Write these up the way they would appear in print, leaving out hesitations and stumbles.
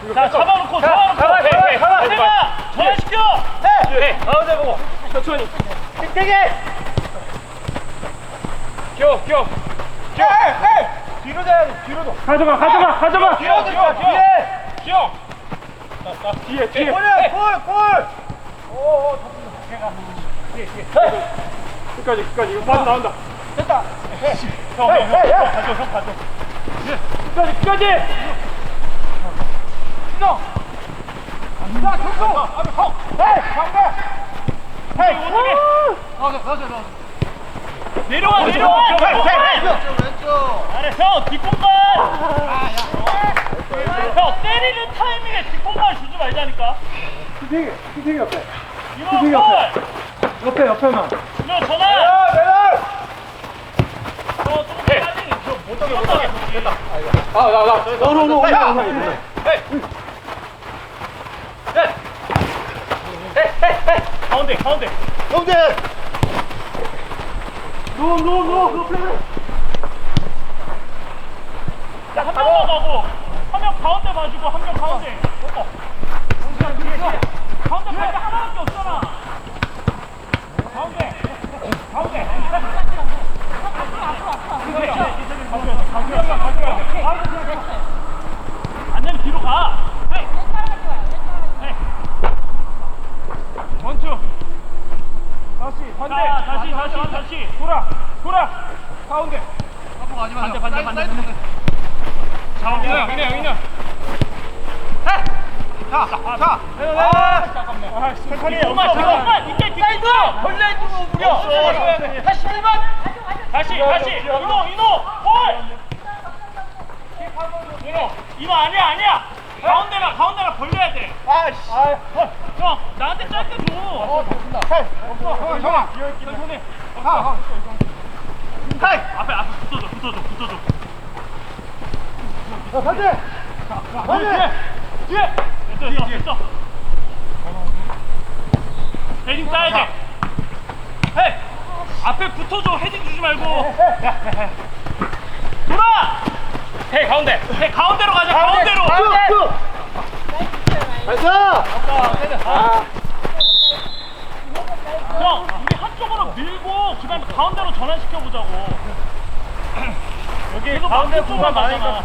자, 잡아놓고, 잡아놓고. 태가 전환시켜. 해. 가운데 보고. 천천히. 되게. 끼워. 뒤로 자야 돼. 뒤로도. 가져가. 뒤로. 끼워. 뒤에. 골. 오, 잡힌다. 뒤에. 끝까지. 이거 빠져 나온다. 됐다. 형, 가져. 끝까지. 형. 자, 형. 나서. 내려와. 왼쪽. 아래 형 뒷공간. 형 때리는 타이밍에 뒷공간 주지 말자니까. 피팅이 옆에. 이거 옆에만. 이거 전화. 매달. 조금 빨리 못 당겨. 됐다. 가운데. 노. 자, 한 명만 가고, 한 명 가운데 봐주고, 한 명 가운데. 가운데 갈 때 하나밖에 없잖아. 가운데. 안 되면 뒤로 가. 원투. 다시 반대. 다시. 돌아. 가운데. 반대. 자, 민호. 자. 잠깐만. 이때 사이드. 벌레 두고 무려. 다시 1번. 다시. 이노. 볼. 이노 아니야. 가운데가 벌려야 돼. 형, 나한테 짧게 줘. 형아. 손에. 앞에 붙어줘. 뒤에. 됐어. 헤딩 따야 돼. 헤이. 앞에 붙어줘. 헤딩 주지 말고. 돌아. 헤이 가운데로 가자. 가운데로. 형, 우리 한쪽으로 밀고 그다음에 가운데로 전환시켜보자고. 여기 가운데 공간 많으니까.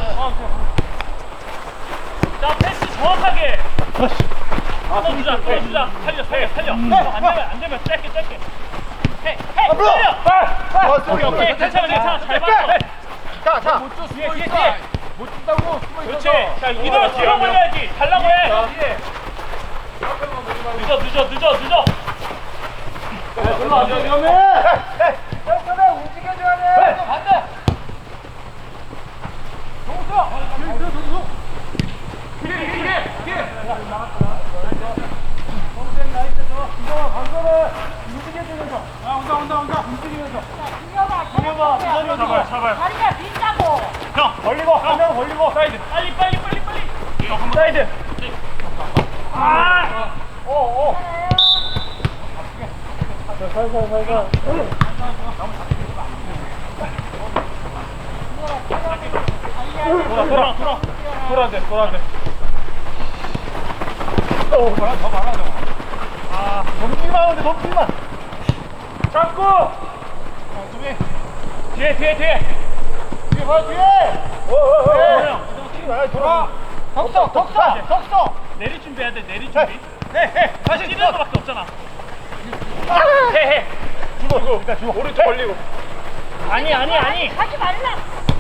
자, 패스 정확하게. 끊어주자. 살려. 안 되면 짧게. 헤이, 살려. 오케이, 괜찮아. 잘 봤어. 자. 뒤에. 못 준다고. 그렇지. 자, 이대로 뒤로 몰려야지. 달라고 해. 늦어. 별로 안 돼. 위험해. 움직여줘야 돼. 반대. 동수. 뒤에. 동생 나이스 줘. 이거 방거를 움직여주면서. 온다. 움직이면서. 준혁아, 잡아요. 다리가 빈다고. 형, 벌리고, 한 명 벌리고. 사이드. 빨리. 사이드. 오. 살살. 돌아. 더 말아. 넘기만. 잡고. 뒤에. 뒤에. 돌아. 덕서. 내리 준비해야 돼. 내리 준비. 다시 뛰는 거밖에 없잖아. 해. 주고. 오른쪽 벌리고. 아니. 하지 말라.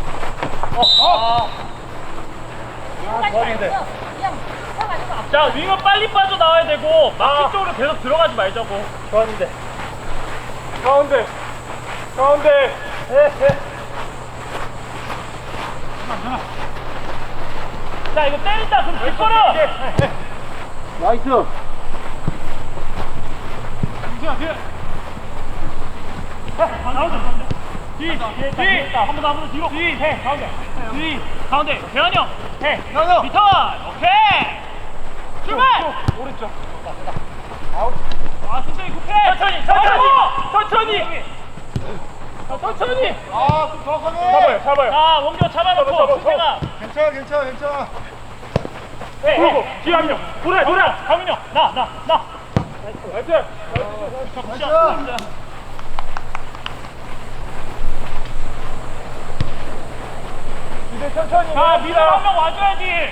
그냥 서가지고 앞으로. 자, 윙은 빨리 빠져 나와야 되고 마키 쪽으로 계속 들어가지 말자고. 좋았는데. 가운데. 자, 이거 때린다. 그럼 뒷걸어. 나이스. 나오자. 뒤. 한번 뒤로. 가운데. 대현이 형. 리턴. 오케이. 출발. 오른쪽. 천천히 급해. 천천히. 좀 정확하게. 잡아요. 자, 원규 잡아놓고. 승태가. 괜찮아. 돌고 뒤에 한 명. 돌아. 강민이 형. 나. 나이스. 이제 천천히. 자, 미들 한명 와줘야지.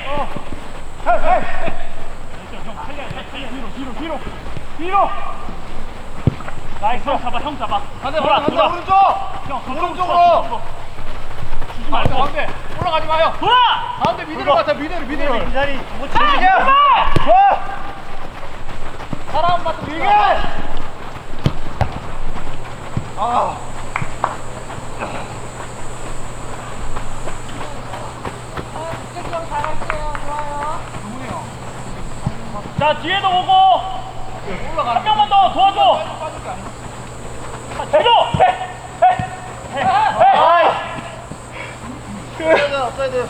뒤로. 나이스. 형 잡아. 간다, 돌아. 오른쪽. 형, 오른쪽으로. 주지 말고. 가운데. 올라가지 마요. 돌아. 가운데 미드로 가자, 미드로. 이 자리. 좋아. 사람 맞고 이게. 아. 형 잘할게요. 좋아요. 자, 뒤에도 오고. 한 명만 더 도와줘. 뒤로. 업사이드.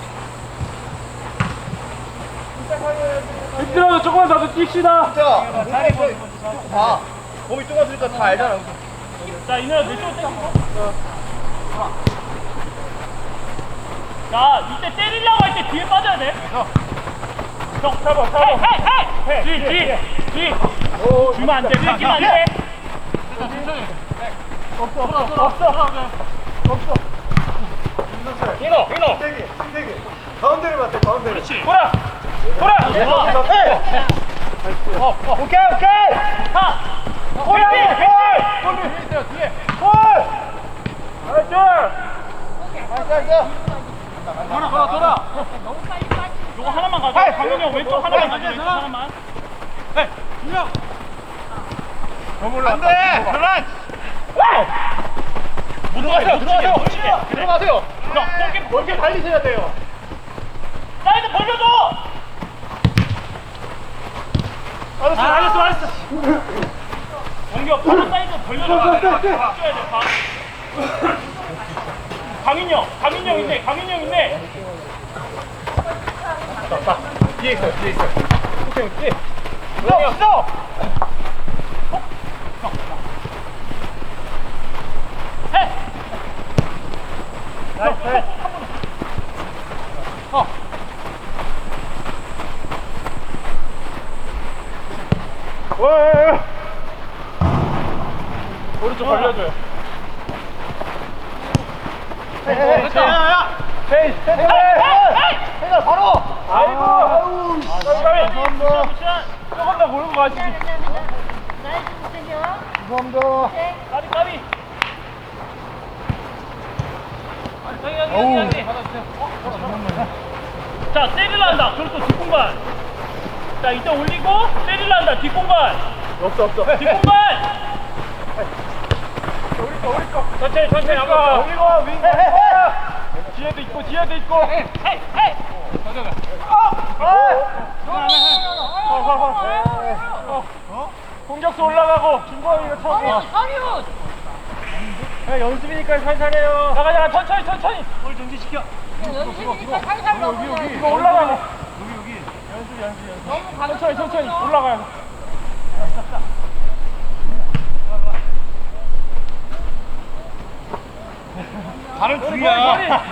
밑으로 조금만 더 뜁시다. 자, 봐. 몸이 좁아지니까 다 알잖아. 자, 이내로 왼쪽으로 땡기고. 자, 이때 때리려고 할 때 뒤에 빠져야 돼. 형, 잡아. 뒤. 주면 안 돼. 뺏기면 안 돼. 없어. 인어. 세게. 가운데를 맞대, 가운데를. 그렇지. 돌아. 오케이. 하. 골! 뒤에. 돌아. 너무 빨리 빠지. 요거 하나만 가져. 강민이 형 왼쪽 하나만 가져. 왼쪽 하나만. 안 돼! 그만! 들어가세요! 형, 골키 달리셔야 돼요! 사이드 벌려줘! 알았어. 공격, 바로 사이드 벌려줘. 줘야 돼, 봐. 강인이 형 있네. 뒤에 있어요. 오케이, 뒤에. 있어! 해! 나이스. 오른쪽 벌려줘요. 헤이, 바로! 아이고! 감사합니다. 조금 더 몰고 가시지. 나이 좀 주세요. 감사합니다. 네. 까비. 자, 때리려 한다. 그렇고 뒷공간. 자, 이때 올리고 때리려 한다. 뒷공간. 없어. 뒷공간. 우리 거. 천천히 아까 한번. 올리고 윙. 뒤에도 있고. 헤이. 공격수 올라가고 중거리가 쳐고. 서리훈. 연습이니까 살살해요. 나가자. 천천히. 뭘 정지시켜. 연습이니까 살살 넘어가야지. 이거 올라가고. 연습. 너무 가볍게 천천히 넘어져. 올라가요. 발은 중이야.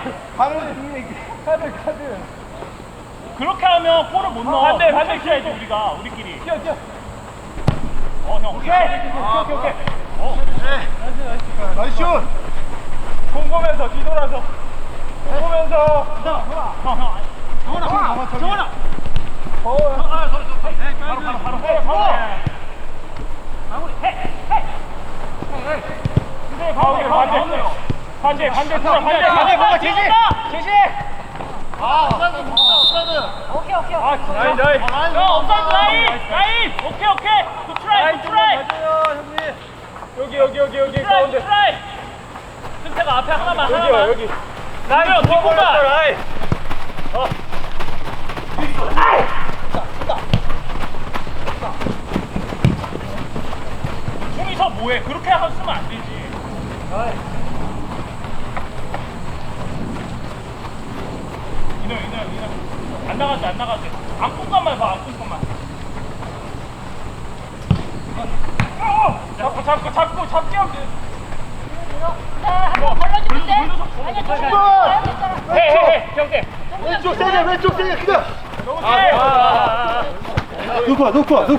카드. 그렇게 하면 골을 못 넣어. 반대 키야지 우리가 우리끼리. 뛰어. 형. 오케이. 나이스 슛. 공 보면서 뒤돌아서. 정원아. 바로. 반대 제시. 오케이. 나이스. 형, 업사이드 라인. 오케이. 굿 트라이. 맞아요, 형님. 여기 가운데. 트라이. 승태가 앞에 하나만. 여기. 라인 뒷공간. 라인. 중이서 뭐해? 그렇게 하면 안 되지. 이놈. 안 나가도 돼. 앞공간만 봐, 앞공간만. 잡기 하면 돼. 자, 한번 걸러주면 돼. 아니야, 좀 해. 경태. 좀 왼쪽 세게 왼쪽 세게 그냥. 놓고 와.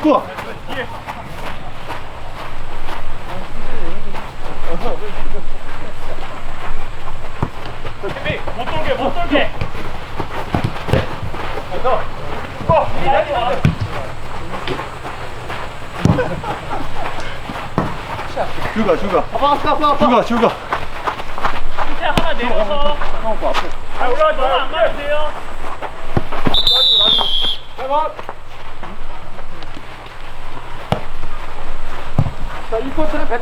못 돌게. 슈가. 밑에 하나 내려서. 올라가지 너무 안 가도 돼요. 자, 이 코트는